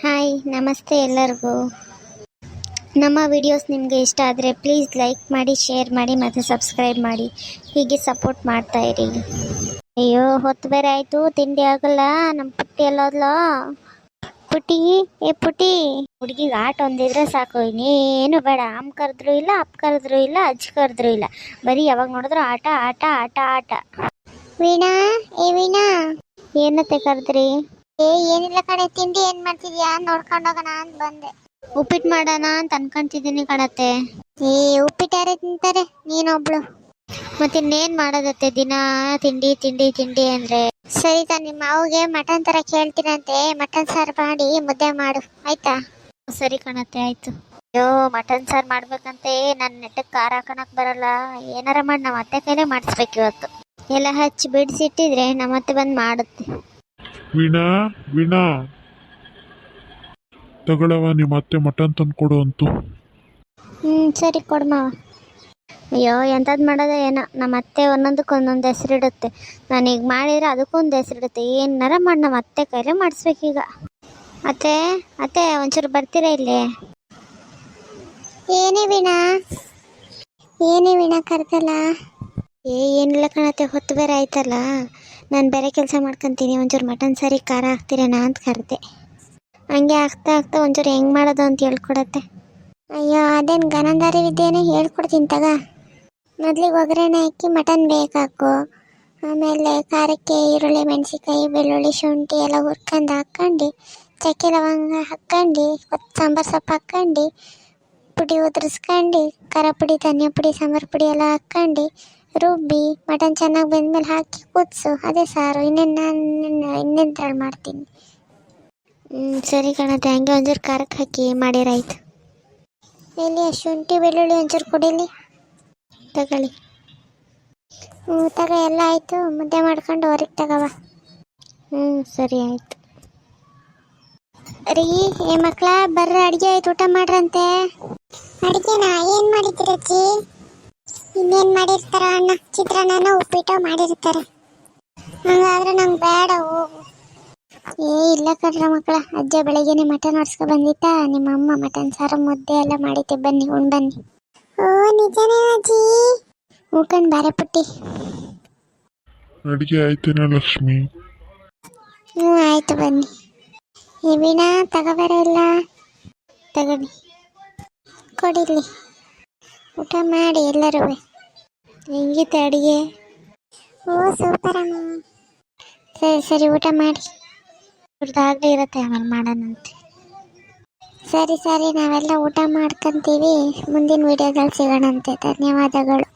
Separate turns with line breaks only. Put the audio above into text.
Hi ನಮಸ್ತೆ ಎಲ್ಲರಿಗೂ. ನಮ್ಮ ವಿಡಿಯೋಸ್ ನಿಮಗೆ ಇಷ್ಟ ಆದರೆ ಪ್ಲೀಸ್ ಲೈಕ್ ಮಾಡಿ, ಶೇರ್ ಮಾಡಿ ಮತ್ತು ಸಬ್ಸ್ಕ್ರೈಬ್ ಮಾಡಿ. ಹೀಗೆ ಸಪೋರ್ಟ್ ಮಾಡ್ತಾ ಇರಿ. ಅಯ್ಯೋ, ಹೊತ್ತು ಬೇರೆ ಆಯಿತು, ತಿಂಡಿ ಆಗಲ್ಲ. ನಮ್ಮ ಪುಟ್ಟಿ ಎಲ್ಲೋದ್ಲೋ? ಪುಟಿ, ಏ ಪುಟಿ, ಹುಡುಗಿಗೆ ಆಟ ಒಂದಿದ್ರೆ ಸಾಕು, ಇನ್ನೇನು ಬೇಡ. ಅಮ್ಮ ಕರೆದ್ರು ಇಲ್ಲ, ಅಪ್ಪ ಕರೆದ್ರು ಇಲ್ಲ, ಅಜ್ಜಿ ಕರೆದ್ರು ಇಲ್ಲ, ಬರೀ ಯಾವಾಗ ನೋಡಿದ್ರು ಆಟ ಆಟ ಆಟ ಆಟ. ವೀಣಾ, ಏ ವೀಣಾ, ಏನತ್ತೆ ಕರೆದ್ರಿ? ಏನಿಲ್ಲ ಕಣೆ, ತಿಂಡಿ ಏನ್ ಮಾಡ್ತಿದ್ಯಾ ನೋಡ್ಕೊಂಡೋಗೋಣ ಅಂತ ಬಂದೆ. ಉಪ್ಪಿಟ್ಟು ಮಾಡೋಣ ಅಂತ ಅನ್ಕೊಂತಿದ್ದೀನಿ ಕಣತ್ತೆ. ಉಪ್ಪಿಟ್ಟು ಯಾರೇ ತಿಂತಾರೆ, ನೀನೊಬ್ಳು. ಮತ್ತೆ ಇನ್ನೇನ್ ಮಾಡೋದತ್ತೆ, ದಿನ ತಿಂಡಿ ತಿಂಡಿ ತಿಂಡಿ ಅಂದ್ರೆ. ಸರಿ ನಿಮ್ಮ ಮಾವಿಗೆ ಮಟನ್ ತರ ಕೇಳ್ತೀನಂತೆ, ಮಟನ್ ಸಾರು ಮಾಡಿ ಮುದ್ದೆ ಮಾಡು, ಆಯ್ತಾ? ಸರಿ ಕಣತ್ತೆ, ಆಯ್ತು. ಅಯ್ಯೋ, ಮಟನ್ ಸಾರು ಮಾಡ್ಬೇಕಂತೆ ನನ್ನ ನೆಟ್ಟಕ್ಕೆ ಖಾರ ಹಾಕೋಣಕ್ ಬರಲ್ಲ. ಏನಾರ ಮಾಡಿ ನಮ್ಮ ಅತ್ತೆ ಕೈಲೇ ಮಾಡಿಸ್ಬೇಕು ಇವತ್ತು. ಎಲ್ಲ ಹಚ್ಚಿ ಬಿಡಿಸಿಟ್ಟಿದ್ರೆ ನಮ್ಮತ್ತೆ ಬಂದು ಮಾಡುತ್ತೆ.
ವೀಣಾ, ವೀಣಾ, ತಗೊಳವ, ನಿಮ್ಮ ಅತ್ತೆ ಮಟನ್ ತಂದು ಕೊಡು ಅಂತು.
ಸರಿ ಕೊಡ್ಮಾವ. ಅಯ್ಯೋ, ಎಂಥದ್ದು ಮಾಡೋದ ಏನೋ, ನಮ್ಮ ಅತ್ತೆ ಒಂದೊಂದಕ್ಕೆ ಒಂದೊಂದು ಹೆಸರಿಡುತ್ತೆ. ನಾನೀಗ ಮಾಡಿದರೆ ಅದಕ್ಕೊಂದು ಹೆಸರಿಡುತ್ತೆ. ಏನಾರ ಮಾಡಿ ನಮ್ಮ ಅತ್ತೆ ಕೈಲೇ ಮಾಡಿಸ್ಬೇಕೀಗ. ಅತ್ತೆ ಅತ್ತೆ, ಒಂಚೂರು ಬರ್ತೀರಾ ಇಲ್ಲಿ? ಏನೇ ವೀಣಾ ಕರ್ದಲ್ಲ? ಏನಿಲ್ಲ ಕಣತ್ತೆ, ಹೊತ್ತು ಬೇರೆ ಆಯ್ತಲ್ಲ, ನಾನು ಬೇರೆ ಕೆಲಸ ಮಾಡ್ಕೊತೀನಿ. ಒಂಚೂರು ಮಟನ್ ಸಾರಿ ಖಾರ ಹಾಕ್ತೀರೇನಾ ಅಂತ ಕರೆದೆ. ಹಂಗೆ ಆಗ್ತಾ ಒಂಚೂರು ಹೆಂಗೆ ಮಾಡೋದು ಅಂತ ಹೇಳ್ಕೊಡತ್ತೆ. ಅಯ್ಯೋ, ಅದೇನು ಗನಂದಾರಿ ವಿದ್ಯೆನೇ ಹೇಳ್ಕೊಡ್ತೀನಿ ತಗ. ಮೊದಲಿಗೆ ಒಗ್ಗರಣೆ ಹಾಕಿ ಮಟನ್ ಬೇಕಾಕು, ಆಮೇಲೆ ಖಾರಕ್ಕೆ ಈರುಳ್ಳಿ, ಮೆಣಸಿನ್ಕಾಯಿ, ಬೆಳ್ಳುಳ್ಳಿ, ಶುಂಠಿ ಎಲ್ಲ ಹುರ್ಕೊಂಡು ಹಾಕ್ಕೊಂಡು, ಚಕ್ಕೆ ಲವಂಗ ಹಾಕ್ಕೊಂಡು, ಸಾಂಬಾರು ಸೊಪ್ಪು ಹಾಕ್ಕೊಂಡು, ಪುಡಿ ಉದುರಿಸ್ಕೊಂಡು, ಖಾರ ಪುಡಿ, ಧನಿಯಾ ಪುಡಿ, ಸಾಂಬಾರು ಪುಡಿ ಎಲ್ಲ ಹಾಕ್ಕೊಂಡು ರುಬ್ಬಿ ಮಟನ್ ಚೆನ್ನಾಗಿ ಬೆಂದ್ಮೇಲೆ ಹಾಕಿ ಕುದಿಸು. ಅದೇ ಸಾರು. ಇನ್ನೇನು ತಳ ಮಾಡ್ತೀನಿ. ಸರಿ ಕಣತ್ತೆ, ಹಂಗೆ ಒಂಚೂರು ಖಾರಕ್ಕೆ ಹಾಕಿ ಮಾಡಿರಾಯ್ತು. ಎಲ್ಲಿ ಶುಂಠಿ ಬೆಳ್ಳುಳ್ಳಿ ಒಂಚೂರು ಕೊಡಿಲಿ, ತಗೊಳ್ಳಿ. ತಗ, ಎಲ್ಲ ಆಯಿತು. ಮುದ್ದೆ ಮಾಡ್ಕೊಂಡು ಹೊರಗೆ ತಗವ. ಸರಿ ಆಯಿತು. ರೀ, ಏ ಮಕ್ಕಳ ಬರ್ರ, ಅಡುಗೆ ಆಯ್ತು, ಊಟ ಮಾಡ್ರಂತೆ. ಅಡುಗೆನಾ? ಏನು ಮಾಡಿದ್ದೀರಜ್ಜಿ? ಇನ್ನೇನು ಮಾಡಿರ್ತಾರ ಅಣ್ಣ, ಚಿತ್ರಾನ್ನ ಉಪ್ಪಿಟ್ಟು ಮಾಡಿರ್ತಾರೆ. ಹಂಗಾದ್ರೆ ನಂಗೆ ಬೇಡ, ಹೋಗು. ಇಲ್ಲ ಕಣ್ರ ಮಕ್ಕಳ, ಅಜ್ಜ ಬೆಳಗ್ಗೆನೆ ಮಟನ್ ಹೊಡ್ಸ್ಕೊ ಬಂದಿತ್ತ. ನಿಮ್ಮ ಅಮ್ಮ ಮಟನ್ ಸಾರು ಮುದ್ದೆ ಎಲ್ಲ ಮಾಡಿದ್ದೆ, ಬನ್ನಿ ಉಣ್ ಬನ್ನಿ. ಓ, ನಿಜನೇ ಅಜ್ಜಿ? ಹೂಕಂಡ್ ಬಾರೆ ಪುಟ್ಟಿ.
ಅಡಿಗೆ ಆಯ್ತೇನ ಲಕ್ಷ್ಮಿ?
ಆಯ್ತು, ಬನ್ನಿ. ಈ ವೀಣಾ, ತಗೋಬೇಡ ಇಲ್ಲ, ತಗೊಳ್ಳಿ, ಕೊಡಿಲಿ. ಊಟ ಮಾಡಿ ಎಲ್ಲರೂ. ಹೆಂಗಿತ್ತು ಅಡುಗೆ? ಓ, ಸೂಪರ್ ಅಮ್ಮ. ಸರಿ ಊಟ ಮಾಡಿ. ಇವ್ರದ್ದಾಗಲೇ ಇರುತ್ತೆ, ಆಮೇಲೆ ಮಾಡೋಣಂತೆ. ಸರಿ ನಾವೆಲ್ಲ ಊಟ ಮಾಡ್ಕೊಂತೀವಿ. ಮುಂದಿನ ವಿಡಿಯೋದಲ್ಲಿ ಸಿಗೋಣಂತೆ. ಧನ್ಯವಾದಗಳು.